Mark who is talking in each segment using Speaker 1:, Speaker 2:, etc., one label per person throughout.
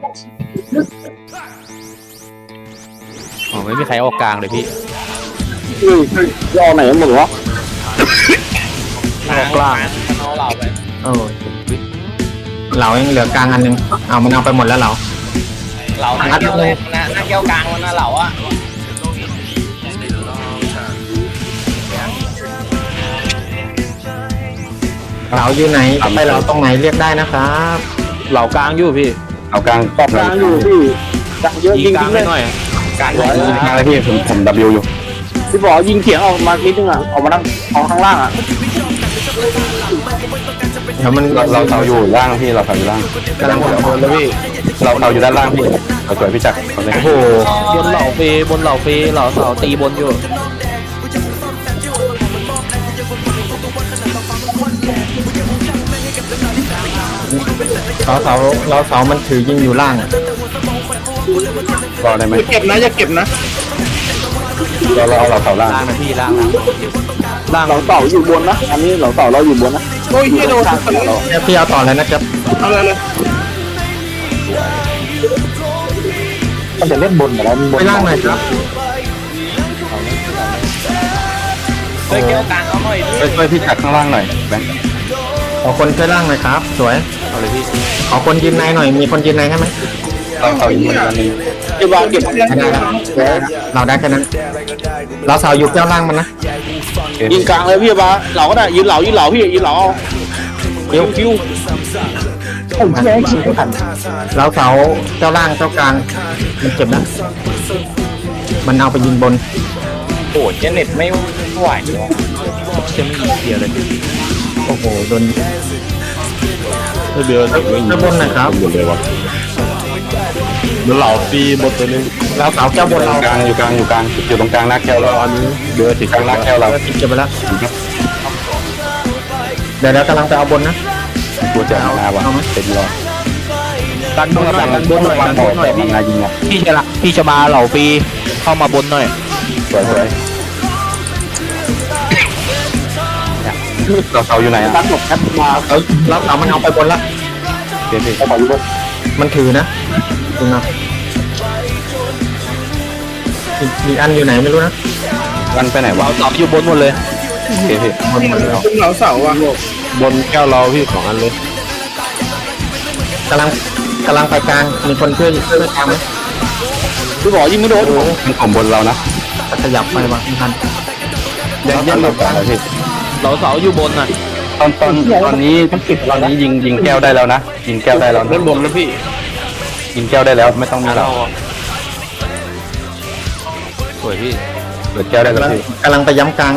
Speaker 1: อ๋อไม่มีใครออกกลางเลยพี่
Speaker 2: รอไหนหมดวะ
Speaker 1: ออกกลาง
Speaker 3: เอาเหล่าไป
Speaker 4: โอ้เหลายังเหลือกลางอันนึงเอามันเอาไปหมดแล้วเหลา
Speaker 3: เหล่าหน้าแก้วเลยนะหน้าแก้วกลางมันนะเหล่าอ่ะ
Speaker 4: เหลาอยู่ไหนจะไปเหลาตรงไหนเรียกได้นะครับ
Speaker 1: เหล่ากลางอยู่พี่
Speaker 2: เอากลางกลางอยู่พี่กลางเยอะ
Speaker 1: ยิ
Speaker 2: ยิ
Speaker 1: ง
Speaker 2: ง
Speaker 1: กลาง
Speaker 2: เล
Speaker 1: ให้
Speaker 2: ย
Speaker 1: หน่อย
Speaker 3: กลาง
Speaker 2: ยิงกลางเลยพี่ผมWอยู่พี่บอกยิงเขียงออกมานิดนึงอ่ะออกมาข้างล่างอ่ะ
Speaker 4: เดี๋ยวมัน
Speaker 2: เราเสาอยู่ล่างพี่เราเสาอยู่ล่าง
Speaker 4: กำลังหมดแล้วพี่
Speaker 2: เราเสาอยู่ด้านล่างพี่เราสวยพี่จักร
Speaker 4: โอ้โห
Speaker 1: บนเหล่าเฟบนเหล่าเฟเหล่าเสาตีบนอยู่
Speaker 4: เราเสามันถือยิงอยู่ล่างอ่ะ
Speaker 2: รอได้ไหม
Speaker 5: เก็บนะอย่าเก็บนะ
Speaker 2: เราเอาเราเสาล่าง
Speaker 1: ล่างนะพี่ล่างล่าง
Speaker 2: เราเสาอยู่บนนะอันนี้เราเสาเราอยู่บนนะ
Speaker 5: โอ้ยเฮียโดนทุกคนเลย
Speaker 4: เดี๋ยวพี่เอาต่อเลยนะครับ
Speaker 5: เอาเลยเลย
Speaker 2: มันจะเล่นบนแต่แล้วบ
Speaker 4: ไป
Speaker 2: น
Speaker 4: ล่างหน่อยครับ
Speaker 3: เฮ้ยแก้วกลางเอาหน่อยดิ
Speaker 2: ช่วยพี่จักรข้างล่างหน่อยแบงค์
Speaker 4: ขอคนช่วยล่างหน่อยครับ สวย
Speaker 1: เอาเลยพี่
Speaker 4: ขอคนยืนในหน่อยมีคนยืนในใช่ไหม
Speaker 2: เราเสาอยู่บนอันนี้
Speaker 5: เก็บวางเก็บ
Speaker 4: ไม่ได้แล้วเราได้แค่นั้น เราเสาอยู่แก้วล่างมันนะ
Speaker 2: ยิงกลางเลยพี่บ้าเราก็ได้ยืนเหลาพี่ยืนเหลา
Speaker 4: คิวผมแย่งคิวทันเราเสาแก้วล่างแก้วกลางมันเจ็บนะมันเอาไปยิงบน
Speaker 3: โอ้เจเน็ตไม่ไหวว่ะ
Speaker 1: จะไม่ยิงเดียวเลย
Speaker 4: โอ้โหโดน
Speaker 2: ไม่เดือด
Speaker 4: แก้วบนนะครับ
Speaker 2: หมดเลยวะเหลาปีหมดตัวนึง
Speaker 4: เราเสาแก้วบนเรา
Speaker 2: กลางอยู่ตรงกลางหน้าแก้วเราอันนี้เดือดติดกลางหน้าแก้วเรา
Speaker 4: เก็บไปแล้วเดี๋ยวกำลังไปเอาบนนะ
Speaker 2: ตัวจะมาวะเป็นรอ
Speaker 1: ดันบนหน่อยดันบนหน่อยดันบนหน่อย
Speaker 2: มันนายิงอ่ะ
Speaker 1: พี่ชบาเหล่าฟีเข้ามาบนหน่อย
Speaker 2: สวยเราเสาอยู่ไหนอ่ะตั้งหมดแคปมา
Speaker 4: เราเสามันเอาไปบนละ
Speaker 2: เดี๋ยวเราเสาอยู่บน
Speaker 4: มันถือนะดูนะอีกอันอยู่ไหนไม่รู้นะ
Speaker 2: มันไปไหนวะ
Speaker 1: เหล่าเสาอยู่บนหมดเลย
Speaker 2: โอเคพี่
Speaker 4: บนหมดแล้ว
Speaker 5: ขึ้นเหลาเสาอ่ะ
Speaker 2: บนแก้วเราพี่ของอันเลย
Speaker 4: กำลังไปกลางมีคนช่วยไปกลางไหม
Speaker 2: พี่บอกยิงไม่โดนมันของบนเรานะ
Speaker 4: ขยับไปวะไม่ทัน
Speaker 2: ยังหลบกันเลยพี่
Speaker 1: เหล่าเสาอยู่บนน่ะ
Speaker 2: ตอนนี้ยิงแก้วได้แล้วนะยิงแก้วได้แล้วเล่นบนแล้วพี่ยิงแก้วได้แล้วไม่ต้องมีเรา
Speaker 1: สวยพี่
Speaker 2: เปิดแก้วได้แล้วพี่
Speaker 4: กำลังไปย้ำกลาง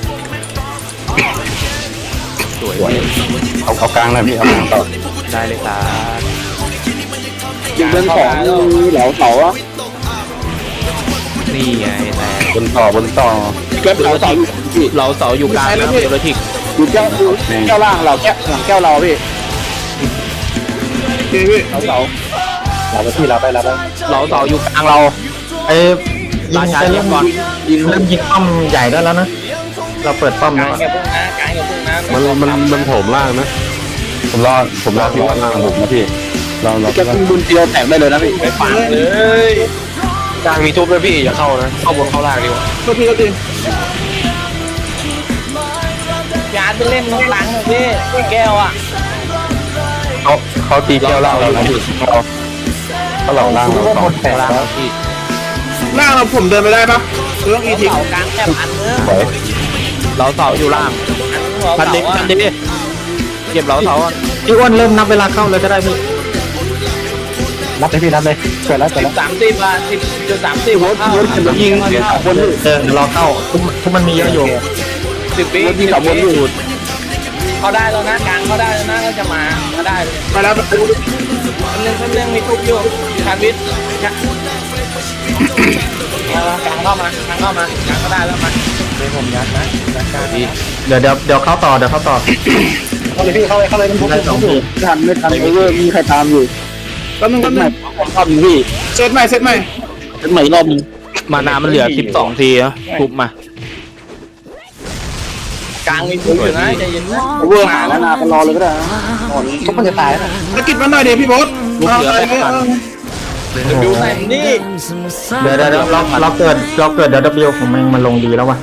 Speaker 1: สวย
Speaker 2: เอากลางนะพี่เอากลางต่อ
Speaker 1: ได้เลยครับ
Speaker 2: ยิงเดินของเหลาเสาอ่ะ
Speaker 1: นี่ไงแต่
Speaker 2: บนต่อ
Speaker 1: เเหล่าเสาอยู่กลางนะเดี๋ยวเราทิก
Speaker 2: อยู่แก้วล่างเราแก้วหลังแก้วเราพี่
Speaker 5: เฮ้ยพี่
Speaker 2: เราไปพี่เราไป
Speaker 1: เหล่าเสาอยู่กลางเรา
Speaker 4: ไอ้ยิงไปเริ่มเริ่มยิงป้อมใหญ่ได้แล้วนะเราเปิดป้อม
Speaker 3: ก
Speaker 4: แล้
Speaker 3: ลาง
Speaker 4: ว
Speaker 3: อย่าพุ่งนะกลางอย่าพุ่งนะ
Speaker 2: มันโถมล่างนะผมรอพี่ว่าล่างผมนะพี่เราแก้วบุญเดียวแตกได้เลยนะพี่
Speaker 3: ไปฝังเลย
Speaker 2: กลางมีทุบด้วยพี่อย่าเข้านะเข้าบนเข้าล่างดีกว่า
Speaker 5: ก็พี่ก็ตี
Speaker 3: ยาจะเล่นตรงหลังเลยพี่แก้วอ่ะ
Speaker 2: เขาตีแก้วล่างเรานะพี่เขาเหล่าล่างเราสอง
Speaker 1: ล่างเราพี่
Speaker 5: หน้าเราผมเดินไปได้ปะหรือต้องอีทิ้ง
Speaker 3: เสากลางแคบอันเนื้อ
Speaker 1: เหล่าเสาอยู่ล่าง
Speaker 3: อันเนื้อ
Speaker 1: พันดิเก็บเหล่าเสาอ่ะ
Speaker 4: พี่อ้วนเริ่มนับเวลาเข้าเลยก็ได้พี่
Speaker 2: นับเลยพี่นับเลยเกิดแล้ว
Speaker 3: 10:30อ่ะ10:30หัวเข้า
Speaker 2: ยิงบน
Speaker 4: รอเข้าทุกมันมีเยอะอยู่
Speaker 3: 10 วิ
Speaker 2: ยิงกับบนอยู่
Speaker 3: เขาได้แล้วนะกลางเขาได้แล้วนะก็จะมาก็ได้เลย
Speaker 5: ไปแล้ว
Speaker 3: เรื่องมีทุกอยู่ชาญวิทย์กลางเข้ามากลางก็ได้แล้วมาเป็นผมยัดนะ
Speaker 1: พี่
Speaker 4: เดี๋ยวเข้าต่อเข้าต่อ
Speaker 2: เข้าเลยพี่เข้าเลยมัน
Speaker 4: ได้2ที
Speaker 2: ไม่ทันเวอร์มีใครตามอยู่
Speaker 5: แป๊บนึง
Speaker 2: รอบนึงพี่
Speaker 5: เซตใหม่
Speaker 2: เป็นใหม่รอบนึง
Speaker 1: มานามันเหลือ12ทีนะทุบมา
Speaker 3: กลางมีผู้อยู่นะใจเย็นนะ
Speaker 4: เวอร์หาแล้วนะไปรอเลยก็ได้นะทุกคนจะตายแล้ว
Speaker 5: สกิดมันหน่อยดิพี่บอส
Speaker 1: ลูกเหลือแปดพัน
Speaker 3: ดูไหนนี่
Speaker 4: เดี๋ยวเราเกิดเดี๋ยว W ของแม่งมันลงดีแล้ววะ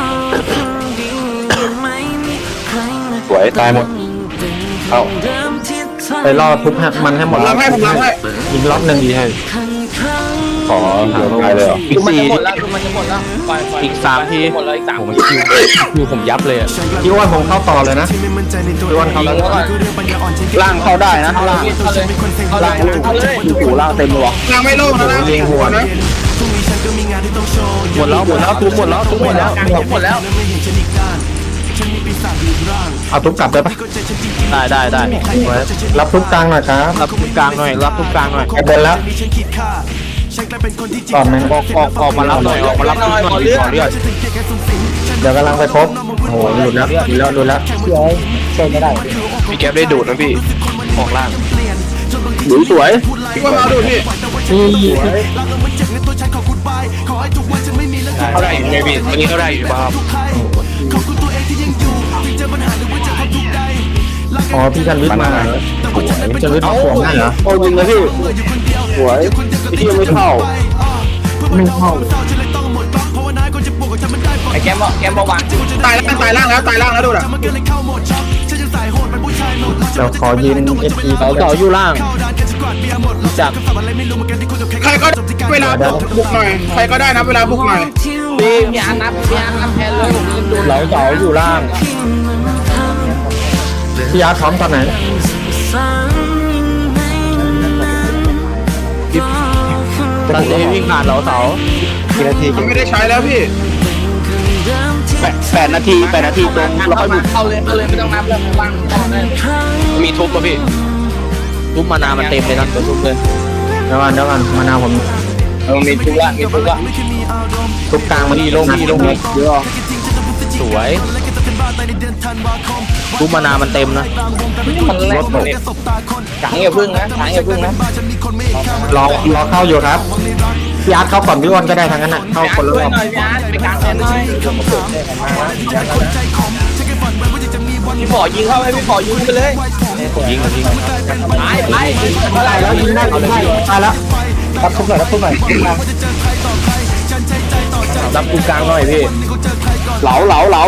Speaker 2: สวยตายหมดเข้า
Speaker 4: ไปรอทุบมันให้หม
Speaker 5: ผ
Speaker 4: ด
Speaker 5: มรับให้ผมรับให้
Speaker 4: ยิงรอบหนึ่งดีให้
Speaker 2: ขอเดี๋ยวตายเลยเหรอ
Speaker 1: อีก
Speaker 3: มัน
Speaker 1: สี่
Speaker 3: จะหมดแล้วมันจะหมดแล้วปล่อย
Speaker 1: อีก3ที
Speaker 3: หมดเลยอีก3
Speaker 1: ผมคิวผมยับเลยอะ
Speaker 4: พี่อ้วนผมเข้าต่อเลยนะพี่อ้วนเข้าแล้ว
Speaker 1: ล่างเข้าได้นะ
Speaker 3: เอาเลยเอาเลยเอาเลย
Speaker 1: หูล่างเต็มเลยวะ
Speaker 5: นางไม่โลภนะนะ
Speaker 4: ยิงหัวนะ
Speaker 1: หมดแล้วทุบหมดแล้ว
Speaker 3: กลางหมดแล้ว
Speaker 4: เอาทุบกลับได้ปะ
Speaker 1: ได้
Speaker 4: รับทุบกลางหน่อยครับ
Speaker 1: รับทุบกลางหน่อยรับทุบกลางหน่อย
Speaker 4: ไอ้บนแล้วก่อนแม่ง
Speaker 1: ออกมารับหน่อยออกมารับทุบหน่อยขอเลือด
Speaker 4: เดี๋ยวกำลังไปครบโอ้โหหลุดแล้วช่วยไม่ได้
Speaker 1: พี่แก๊ปได้ดูดนะพี่ออกล่างสวย
Speaker 5: พี่ว่ามาดูพี่
Speaker 1: เท่าไหร่ไงพี่วันนี้เท่าไหร่อยู่บ้าง
Speaker 4: อ๋อพี่ชันวิทย์มาชันวิทย์มาขวงนั่นเหรอ
Speaker 1: โอ้ยิงเลยพี่สวยพี่ยังไม่เข้า
Speaker 3: ไอ้แกมบอกวาง
Speaker 5: ตายล่างแล้วดูนะ
Speaker 4: เดี๋ยวขอยืนSP
Speaker 1: เสาอยู่ล่างจาก
Speaker 5: ใครก็เวลาบุกหน่อยใครก็ได้นะเวลาบุกหน่อย
Speaker 3: พี่อันนับแทนเลยผมดู
Speaker 1: เสาอยู่ล่าง
Speaker 4: พี่อาร์ตพร้อมตอนไหน
Speaker 1: ตอนนี้วิ่งผ่านเสา
Speaker 4: กี่นาที
Speaker 5: มันไม่ได้ใช้แล้วพี่
Speaker 1: 8 นาทีตรงแล้วค่อยบุก
Speaker 3: เอาเลยไม่ต้องนับแล้ววางต่อได้
Speaker 1: มีทุบป่ะพี่ทุบมานามันเต็มเลยนะทุบเลย
Speaker 4: เดี๋ยวก่อนมานาวผม
Speaker 3: มีทุกละ
Speaker 4: ทุบกลางมาดีลงเยอะ
Speaker 1: สวยทุบมานามันเต็มนะ
Speaker 3: มันแรกเลยกลางอย่าพึ่งนะ
Speaker 4: รอเข้าอยู่ครับพี่อาร์ตเข้าก่อนพี่อ้วนก็ได้ทั้งนั้นน่ะเข้าคนละร
Speaker 3: ช่วย
Speaker 4: อบ
Speaker 3: หน่อยพี่อาร์ตไปกลางแทนหน่อยพี่ขอยิงเข้าไปพี่ขอยิงไปเลย
Speaker 1: ยิง
Speaker 3: ไปเท่าไหร่
Speaker 4: แล้วยิงได้ตายแล้วรับทุบหน่อย
Speaker 1: รับกลุ่มกลางหน่อยพี่เหลา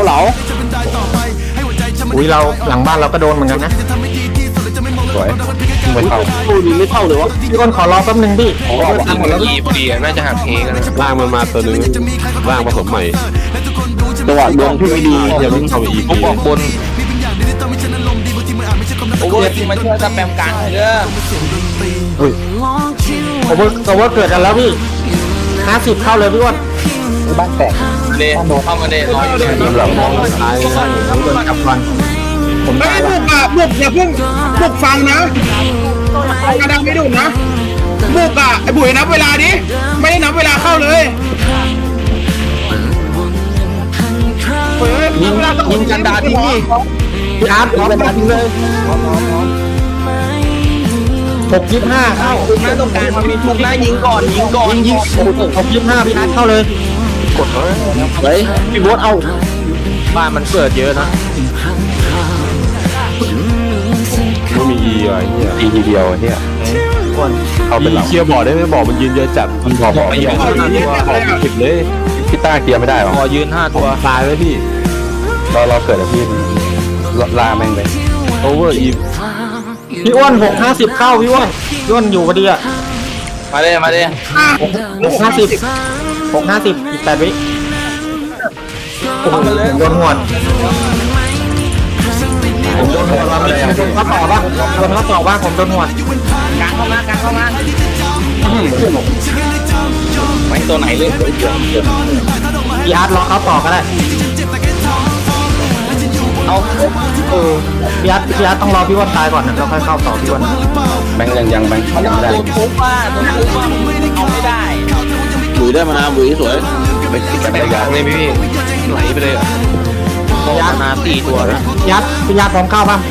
Speaker 4: อุ้ยเราหลังบ้านเราก็โดนเหมือนกันนะ
Speaker 2: สวยไม่เข้า
Speaker 1: ยิงไม่เข้าเลยวะ
Speaker 4: พี่อ้วนขอรอแป๊บนึงพี่
Speaker 1: ยิงพอดีน่าจะหักเองกันล่างมันมาตัวนึงล่างผสมใหม่จังหวะดวงที่ไม่ดีอย่าเพิ่งเข้าอีกผมบอกบน
Speaker 3: โอเวอร์ที่มาช่วยสแปมกลางเลยเด้อ
Speaker 4: โอเวอร์เกิดกันแล้วพี่50เข้าเลยพี่อ้วนบ้านแตก
Speaker 3: เดเข้ามาเดรออยู่
Speaker 2: ทีมหลังมอง
Speaker 4: ตายกับวันผม
Speaker 5: ไม่
Speaker 4: ตาย
Speaker 5: บุกอ่ะบุกอย่าเพิ่งบุกฟังนะกระดังไม่ดุนะบุกอ่ะไอ้บุ๋ยนับเวลาดิไม่ได้นับเวลาเข้าเลย
Speaker 4: ยิงกันดาทิ้งพี่อาร์ตพร้อมกันทิ้งเลย625เข้า
Speaker 3: หน้าตรงกลางมันมีทุกหน้ายิงก่อน
Speaker 4: ยิง625พี่อาร์ตเข้าเลยกดเลยพี่โบ๊ทเอา
Speaker 1: บ้านมันเกิดเยอะนะ
Speaker 2: ไม่มีอีอะไรเนี่ยอีทีเดียวเนี่ยเอาเป็นหลัง
Speaker 1: เคลียร์บอร์ดได้ไหมบอร์ดมันยืนเยอะจัด
Speaker 2: มันบอกไม่ยอมผิดเลยพี่ต้าเคลียร์ไม่ได้หรอ
Speaker 1: พอยืน5 ตัวตายเลยพี่
Speaker 2: เราเกิดกับพี่ล่าแม่งเลย
Speaker 1: โอเวอร์อีฟ
Speaker 4: พี่อ้วน650เข้าพี่อ้วนอยู่พอดีอ่ะ
Speaker 3: มาเลย
Speaker 4: 650อีก8 วิโดนหัวผมโดนหัวเราเลยเขาต่อป่ะผมโดนหัว
Speaker 3: กลางเข้ามาไปตัวไหนเลย
Speaker 4: พี่อาร์ตรอเขาต่อก็ได้
Speaker 3: เอา
Speaker 4: พี่อาร์ตต้องรอพี่อ้วนตายก่อนนะเราค่อยเข้าต่อพี่อ้วน
Speaker 2: แบงค์ยังแบงค์ยังไม่ได้
Speaker 3: ตัวทุบว่าเอาไม่ได้
Speaker 1: บุยได้มานาบุยสวยไปติดกันยางเลยพี่ไหลไปเลยอ่ะมานา4 ตัวนะ
Speaker 4: พี่อาร์ตพร้อมเข้าป่ะ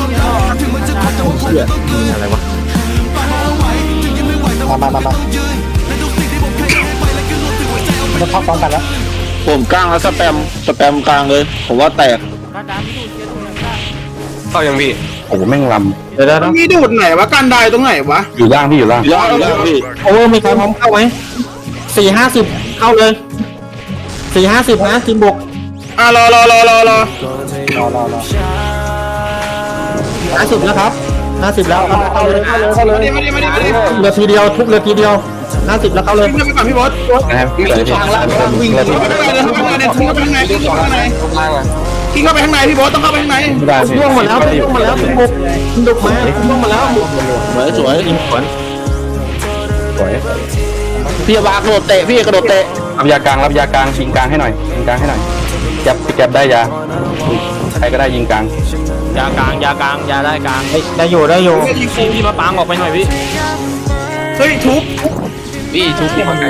Speaker 4: อะไรวะมาเราเข้าพร้อมกันแล้ว
Speaker 1: ผมกลางแล้วสแปมกลางเลยผมว่าแตกเข้ายังพี่
Speaker 2: โอ้โหแม่งล
Speaker 4: เดี๋ยว
Speaker 5: มันมีดูดไหนวะกันได้ตรงไหนวะ
Speaker 2: ำอยู่ล่างพี่อยู่ล่าง
Speaker 1: ยอดพี่
Speaker 4: โอเวอร์มีใครพร้อมเข้าไหม450เข้าเลย450นะทีมบุก
Speaker 5: รอ
Speaker 4: 50แล้วครับ50แล้วเข้าเลย
Speaker 5: มาดิมาดิ
Speaker 4: เรือทีเดียวทุกเรือทีเดียว50แล้วเข้าเลย
Speaker 5: ขึ้นไปก่อนพี่บอส
Speaker 2: นะครับพี่เลยพี่
Speaker 5: วิ่งเข้าไปเดินเข้าไปเดินเข้าไปข้างในขึ้นเข้าไปข้างใน
Speaker 1: ล่างอ่ะ
Speaker 5: ขึ้นเข้าไปข้างในพี่บอสต้องเข้าไปข้างใน
Speaker 2: ไม่ได้พี่
Speaker 4: ล่วงหมดแล้วล่วงหมดแล้วทีมบุกมาล่วงหมดแล้ว
Speaker 1: สวย
Speaker 4: ทีมสวน
Speaker 2: สวย
Speaker 1: พี่บากระโดดเตะพี่กระโดดเตะ
Speaker 2: รับยากลางรับยากลางยิงกลางให้หน่อยยิงกลางให้หน่อยจับพี่แก็บได้ยาใครก็ได้ยิงกลาง
Speaker 3: ยากลางยากลางยาได้กลาง
Speaker 4: ได้อยู่ได้อยู่
Speaker 3: พี่มาปางออกไปหน่อยพี่
Speaker 5: เฮ้ยทุบ
Speaker 1: พี่ชุบพี่มาไกล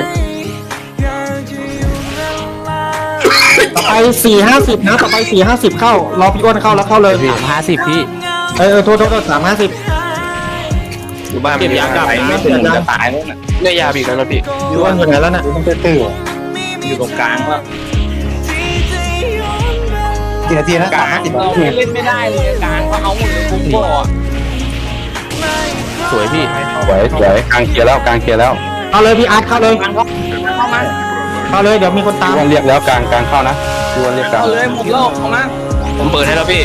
Speaker 4: ต่อไป450นะต่อไป450เข้ารอพี่อ้วนเข้าแล้วเข้าเลย
Speaker 3: 50พี่
Speaker 4: โทษ350
Speaker 1: อยู่บ้าน
Speaker 3: เก็บยากลับนะ
Speaker 1: จะตายแล้วน่ะเนี่ยยาบีกแล้วนะพี่
Speaker 4: พี่อ้วนอยู่ไหนแล้วน่ะ
Speaker 3: อยู่ตรงกลางว่า
Speaker 4: กี่นาทีนะ
Speaker 3: กลางเราเล่นไม่ได้เลยกลางก็เอาหมดเลยคุ้มบ่อ
Speaker 1: สวยพี่
Speaker 2: สวยสวยกลางเคลียร์แล้วกลางเคลียร์แล้ว
Speaker 4: เข้าเลยพี่อาร์ตเข้าเลย
Speaker 3: กลางเข้ามา
Speaker 4: เข้าเลยเดี๋ยวมีคนตาม
Speaker 2: พี่วันเรียกแล้วกลางเข้านะพี่วันเรียกกลาง
Speaker 3: เอาเลยหมดโลกเข้ามา
Speaker 1: ผมเปิดให้แล้วพี่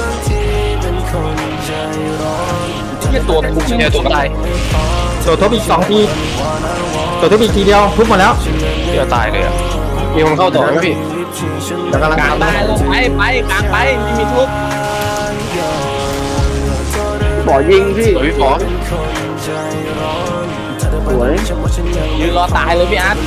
Speaker 3: เนี่ยตัวทุก
Speaker 1: เนี่ยตัวตาย
Speaker 4: ตัวทบอีก2ทีตัวทบอีกทีเดียวทุบหมดแล้ว
Speaker 1: เดี๋ยวตายเลยอ่ะมีคนเข้าต่อไหมพี่
Speaker 4: แล้วกำลัง
Speaker 3: กลาง
Speaker 4: ทำ
Speaker 3: ได้ลงไปกลางไปไม่มีทุบ
Speaker 1: สวยพี่ป๋อ
Speaker 3: ยืนรอตายเลยพี่อาร์ต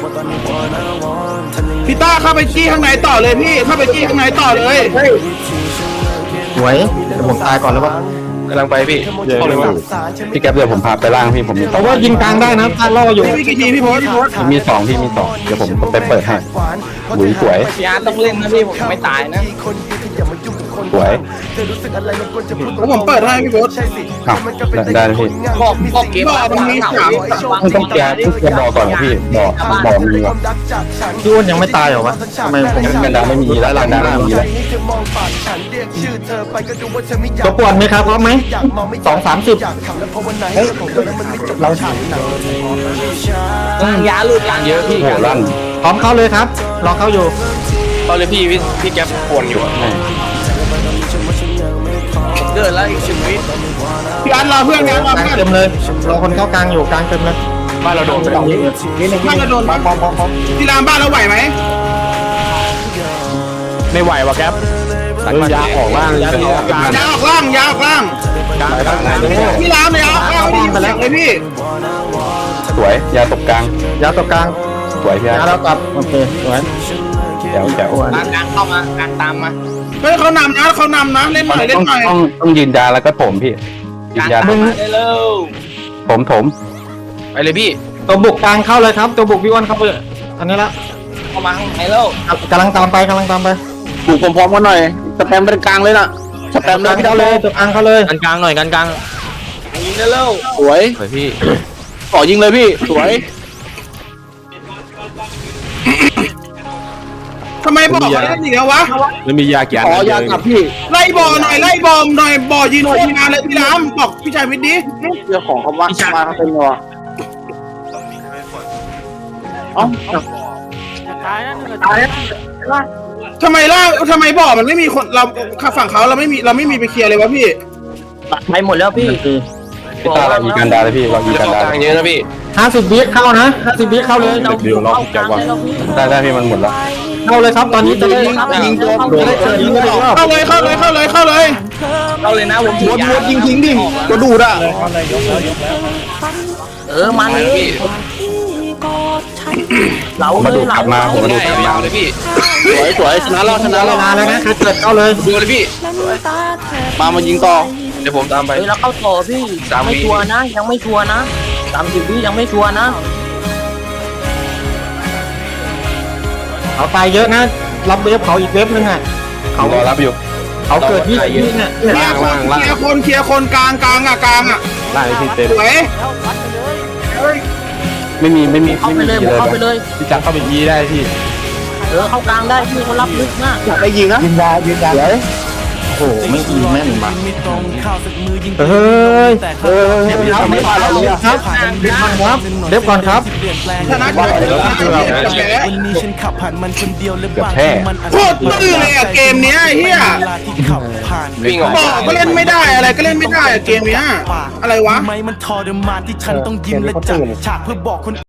Speaker 5: พี่ต้าเข้าไปจี้ข้างในต่อเลยพี่เข้าไปจี้ข้างในต่อเลย
Speaker 4: สวยเดี๋ยวผมตายก่อนแล้ววะ
Speaker 1: กำลังไปพี่เข้าเลยมั้ง
Speaker 2: พี่แก็บเดี๋ยวผมพาไปล่างพี่ผมมี
Speaker 4: เพราะว่ายิงกลางได้นะตาล่ออยู่
Speaker 5: พี่มีกี่ทีพี่โพส
Speaker 2: มีสองพี่มีสองเดี๋ยวผมไปเปิดให้หลุยสวย
Speaker 3: พี่อาร์ตต้องเล่นนะพี่ผมไม่ตายนะ
Speaker 2: สวย
Speaker 5: แล้วผมเปิดให้พี่โพส
Speaker 2: อ้าวได้พี่
Speaker 3: บอกเกม
Speaker 2: ต้องแก้บ่อก่อนพี่บ่อมีวะ
Speaker 4: พี่อ้วนยังไม่ตายเหรอวะทำไมผม
Speaker 2: กันดาไม่มีแล้วลังดาไม่มีแล้ว
Speaker 4: ตัวป่วนไหมครับพร้อมไหม230เราฉาย
Speaker 3: ยาหลุดยาเยอะพี่
Speaker 2: โหลั่น
Speaker 4: พร้อมเข้าเลยครับรอเข้าอยู่
Speaker 1: เข้าเลยพี่แก๊ปปวนอยู่
Speaker 3: เกิดแล้วอีกชีวิต
Speaker 5: พี่อันรอเพื่อนงานรอก
Speaker 4: ลาง
Speaker 5: เพื่อน
Speaker 4: เต็มเลยรอคนเข้ากลางอยู่กลางเต็มเลย
Speaker 1: บ้านเราโดนไปแล้ว
Speaker 5: บ้านเราโดนพี่รามบ้านเราไหวไหม
Speaker 3: ไม่ไหววะแก๊ป
Speaker 1: ยาออกล่างยาออกกลาง
Speaker 5: ยาออกล่างยาออกล่างพี่รามยาออกล่างไม่ได้ยินเสียงเลยพี่
Speaker 2: สวยยาตกกลาง
Speaker 4: ยาตัวกลาง
Speaker 2: สวยพี่
Speaker 4: ยาแล้วกลับโอเคสวย
Speaker 2: แจ๋ว
Speaker 3: กลางเข้ามากลางตามมา
Speaker 5: เฮ้ยเขานำนะเล่นหน่อยเล่นหน่อย
Speaker 2: ต้องยืนยาแล้วก็ถมพี่ยืนยา
Speaker 3: ได้เร็ว
Speaker 2: ถม
Speaker 1: ไปเลยพี่
Speaker 4: ตัวบุกกลางเข้าเลยครับตัวบุกพี่อ้วนเข้าไปอันนี้ละ
Speaker 3: เข้ามาข้างในแล้ว
Speaker 4: กำลังตามไป
Speaker 1: บุกพร้อมๆกันหน่อยสแปมเป็นกลางเลยน่ะสแปมเลยพี่
Speaker 4: เข้าเลยตัวกลางเข้าเลย
Speaker 3: กันกลางหน่อยกันกลางยิงได้เร็ว
Speaker 1: สวยพี่ต่อยิงเลยพี่สวย
Speaker 5: ทำไมบอกเขาเล่นอย่างเงี้ยวะ
Speaker 1: มันมียากี่อันยากลับพี่
Speaker 5: ไล่บอหน่อยไล่บอมหน่อยบอยืนโคตรนานเลยพี่รามบอกพี่ชายวิทย์ดิ
Speaker 1: เรื่องของเขาว่ามาเขาเป็นวะ
Speaker 5: ทำไมบอมันไม่มีคนเราฝั่งเขาเราไม่มีไปเคลียร์เลยวะพี่
Speaker 3: ไปหมดแล้วพี่
Speaker 2: พี่ตาเรามีกันดาเลยพี่เรามี
Speaker 1: จะ
Speaker 2: กัน
Speaker 1: เข้า
Speaker 2: ดาก
Speaker 1: ลางเยอะนะพี่
Speaker 4: 50วิเข้านะ50วิเข้าเลย
Speaker 2: เดี๋ยวเราจะวางได้พี่มันหมดแล้ว
Speaker 4: เข้าเลยครับตอนนี้จะได้
Speaker 5: ยิงตัว
Speaker 4: จะได้เจอยิงกันอีกรอบ
Speaker 5: เข้าเลย
Speaker 3: เอาเลยนะผมยิงทิ้งดิ
Speaker 5: ตัวดูดอ่ะ
Speaker 3: มัน
Speaker 1: ไปแล้วพี่
Speaker 3: เรา
Speaker 2: มาดูกลับมาผมมาดู
Speaker 1: ได้
Speaker 2: กลับ
Speaker 1: ยาว
Speaker 2: มา
Speaker 1: เลยพี่สวยชนะแล้ว
Speaker 4: นานแล้วนะใครเกิดเข้าเลย
Speaker 1: ดูเลยพี่มายิงต่อเดี๋ยวผมตามไป
Speaker 3: แล้วเข้าต่อพี่ยังไม่ชัวร์นะยังไม่ชัวร์นะ30วิยังไม่ชัวร์นะ
Speaker 4: เขาตายเยอะนะรับเวฟเขาอีกเวฟนึงอ่ะ
Speaker 2: เขารอรับอยู่
Speaker 4: เขาเกิดที่เนี่ย
Speaker 5: เคลียร์คนกลางอ่ะ
Speaker 2: ล่างพี่เต้
Speaker 5: สวย
Speaker 2: ไม่มี
Speaker 3: เข้าไปเลยเข้าไปเลย
Speaker 2: พี่จักเข้าไปยีได้พี่
Speaker 3: เข้ากลางได้พี่เขารับลึกนะ
Speaker 5: อยากไปยิงนะยืนยา
Speaker 2: โอ้
Speaker 4: หไม่อีแม่นมา
Speaker 6: เฮ้ย
Speaker 4: ไม่ผ่านเราเลยครับเด็บมันครับเด็บก่อนครับ
Speaker 5: ชนะก่อนชนะก่อนแพ้
Speaker 2: เกือบแพ้
Speaker 5: โคตรตื้อเลยอะเกมเนี้ยเฮีย
Speaker 1: วิ่งออก
Speaker 5: บอกก็เล่นไม่ได้อะไรก็เล่นไม่ได้อะเกมเนี้ยอะไรวะ
Speaker 7: มันทรมานที่ฉันต้องยิ้มและจัดฉากเพื่อบอกคน